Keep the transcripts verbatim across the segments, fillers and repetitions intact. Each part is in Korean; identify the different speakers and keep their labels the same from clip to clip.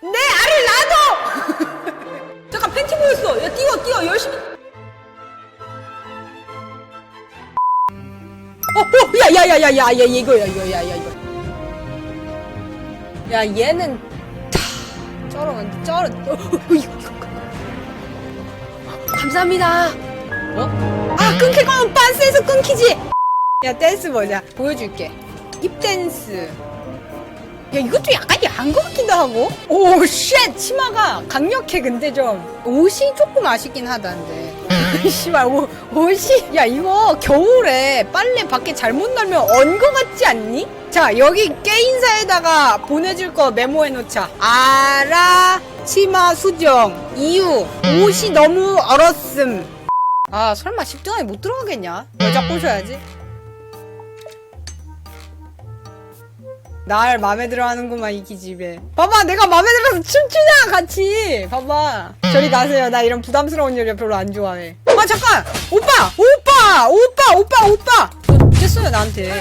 Speaker 1: 내 알을 놔둬! 잠깐 팬티 보였어. 야 뛰어 뛰어 열심히. 어, 어, 야, 야, 야, 야, 야, 야, 이거야, 이거, 야, 야, 이거. 야, 얘는 타, 쩔어, 쩔어. 어, 어, 이거, 이거. 감사합니다. 어? 아, 끊길 거면 빤스에서 끊기지. 야, 댄스 보자. 보여줄게. 힙 댄스. 야, 이것도 약간 야한 것 같기도 하고. 오, 쉣! 치마가 강력해, 근데 좀. 옷이 조금 아쉽긴 하다는데. 씨발, 옷, 옷이. 야, 이거 겨울에 빨래 밖에 잘못 널면 언 거 같지 않니? 자, 여기 게임사에다가 보내줄 거 메모해놓자. 알아, 치마 수정. 이유, 옷이 너무 얼었음. 아, 설마 십 등 안에 못 들어가겠냐? 여자 꼬셔야지. 날 맘에 들어 하는구만, 이 기집애. 봐봐, 내가 맘에 들어서 춤추냐, 같이. 봐봐. 저리 가세요. 나 이런 부담스러운 여자 별로 안 좋아해. 아, 잠깐! 오빠! 오빠! 오빠! 오빠! 오빠! 뭐, 됐어요, 나한테.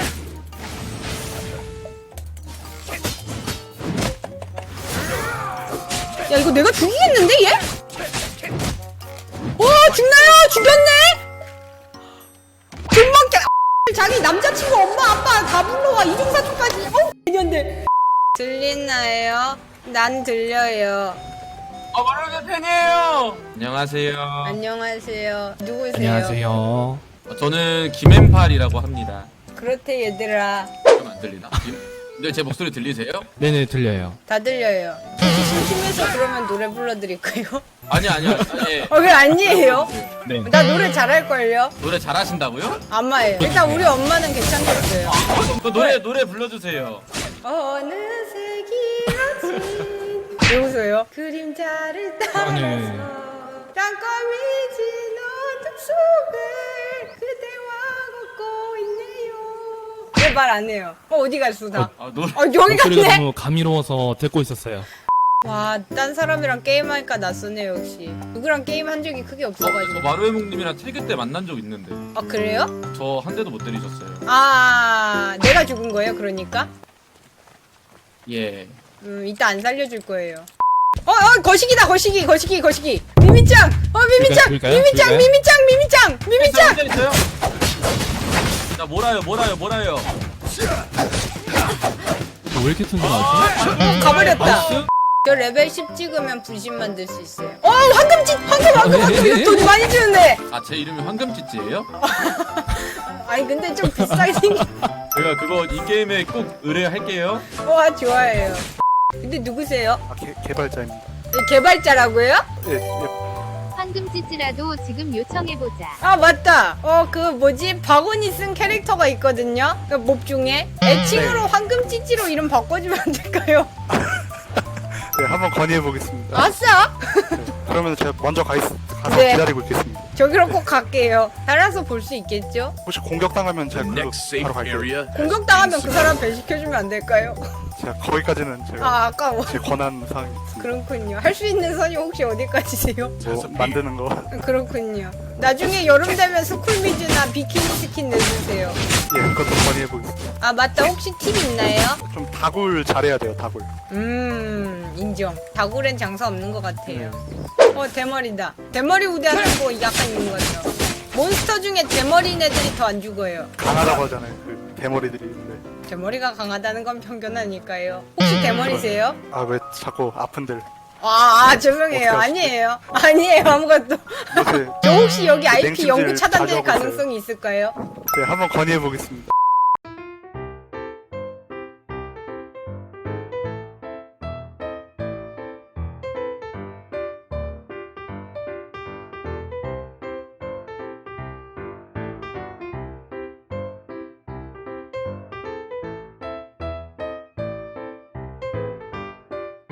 Speaker 1: 야, 이거 내가 죽이겠는데, 얘? 와, 죽나요? 죽였네? 금방깨. 자기 남자친구, 엄마, 아빠 다 불러와. 이중사촌까지. 어? 년들. 들리나요? 난 들려요.
Speaker 2: 아, 마루의 팬이에요. 안녕하세요.
Speaker 1: 안녕하세요. 누구세요?
Speaker 3: 안녕하세요.
Speaker 2: 어, 저는 김앤팔이라고 합니다.
Speaker 1: 그렇대, 얘들아.
Speaker 2: 좀 안 들리나? 김... 근데 제 목소리 들리세요?
Speaker 3: 네네 들려요.
Speaker 1: 다 들려요. 혹시 심심해서 그러면 노래 불러드릴까요?
Speaker 2: 아니 아니요. 아니.
Speaker 1: 어, 왜 아니에요?
Speaker 3: 네.
Speaker 1: 나 노래 잘할걸요?
Speaker 2: 노래 잘하신다고요?
Speaker 1: 아마예요. 일단 우리 엄마는 괜찮겠어요.
Speaker 2: 그 노래 노래 불러주세요.
Speaker 1: 어느새 길어진 왜 웃어요? 그림자를 따라서
Speaker 3: 아니.
Speaker 1: 땅거미 진 어둠 속을 그대와 걷고 있네요. 왜 말 안 해요? 어, 어디 갔어 나?
Speaker 2: 아, 노래.
Speaker 1: 어, 여기
Speaker 3: 목소리가
Speaker 1: 갔네?
Speaker 3: 너무 감미로워서 듣고 있었어요.
Speaker 1: 와, 딴 사람이랑 게임하니까 낯서네 역시. 누구랑 게임한 적이 크게
Speaker 2: 어, 저
Speaker 1: 없어가지고.
Speaker 2: 마루의몽님이랑 태교 때 만난 적 있는데
Speaker 1: 아, 그래요?
Speaker 2: 저 한 대도 못 때리셨어요.
Speaker 1: 아, 내가 죽은 거예요 그러니까?
Speaker 2: 예.
Speaker 1: 음, 이따 안 살려줄 거예요. 어, 어, 거시기다, 거시기, 거시기, 거시기. 미미짱! 어, 미미짱!
Speaker 3: 줄까요?
Speaker 1: 미미짱!
Speaker 3: 줄까요?
Speaker 1: 미미짱! 미미짱! 미미짱!
Speaker 2: 혼자 있어요? 자 몰아요 몰아요 몰아요.
Speaker 3: 왜 이렇게 튼튼하지?
Speaker 1: 어, 가버렸다.
Speaker 3: 나이스.
Speaker 1: 저 레벨 십 찍으면 분신 만들 수 있어요. 어, 황금짓! 황금, 황금,
Speaker 3: 아,
Speaker 1: 황금!
Speaker 3: 예, 예.
Speaker 1: 이거 돈 많이 주는데!
Speaker 2: 아 제 이름이 황금찌찌예요?
Speaker 1: 아니, 근데 좀 비싸게 생긴.
Speaker 2: 제가 그거 이 게임에 꼭 의뢰할게요.
Speaker 1: 와, 좋아해요. 근데 누구세요?
Speaker 4: 아, 개, 개발자입니다.
Speaker 1: 개발자라고요?
Speaker 4: 예, 예.
Speaker 5: 황금찌찌라도 지금 요청해보자.
Speaker 1: 아, 맞다. 어, 그 뭐지? 박원이 쓴 캐릭터가 있거든요. 그 몹 중에. 애칭으로
Speaker 4: 네.
Speaker 1: 황금찌찌로 이름 바꿔주면 안 될까요?
Speaker 4: 네, 한번 건의해 보겠습니다.
Speaker 1: 아싸!
Speaker 4: 그러면 제가 먼저 가 있, 가서
Speaker 1: 네.
Speaker 4: 기다리고 있겠습니다.
Speaker 1: 저기로 꼭 갈게요. 따라서 볼 수 있겠죠?
Speaker 4: 혹시 공격당하면 제가 그로 바로 갈게요.
Speaker 1: 공격당하면 그 사람 배식해주면 안 될까요?
Speaker 4: 제가 거기까지는 제가
Speaker 1: 아, 아까워.
Speaker 4: 제 권한 사항이 있습니다.
Speaker 1: 그렇군요. 할 수 있는 선이 혹시 어디까지세요?
Speaker 4: 뭐 만드는 거,
Speaker 1: 그렇군요. 나중에 여름 되면 스쿨미즈나 비키니 스킨 내주세요.
Speaker 4: 예, 그것도 건의해 보겠습니다.
Speaker 1: 아, 맞다. 혹시 팁 있나요?
Speaker 4: 좀 다굴 잘해야 돼요, 다굴.
Speaker 1: 음, 인정. 다굴엔 장사 없는 것 같아요. 어, 대머리다. 대머리 우대하는 거 약간 있는 거죠. 몬스터 중에 대머리인 애들이 더 안 죽어요.
Speaker 4: 강하다고 하잖아요, 그 대머리들이. 근데
Speaker 1: 대머리가 강하다는 건 편견 아닐까요? 혹시 대머리세요?
Speaker 4: 아, 왜 자꾸 아픈들.
Speaker 1: 아, 아 죄송해요.
Speaker 4: 어떡하지?
Speaker 1: 아니에요. 아니에요. 아무것도.
Speaker 4: 요새
Speaker 1: 저 혹시 여기 아이피
Speaker 4: 냉찜질
Speaker 1: 연구 차단될
Speaker 4: 자주 하고 있어요.
Speaker 1: 가능성이 있을까요?
Speaker 4: 네, 한번 건의해 보겠습니다.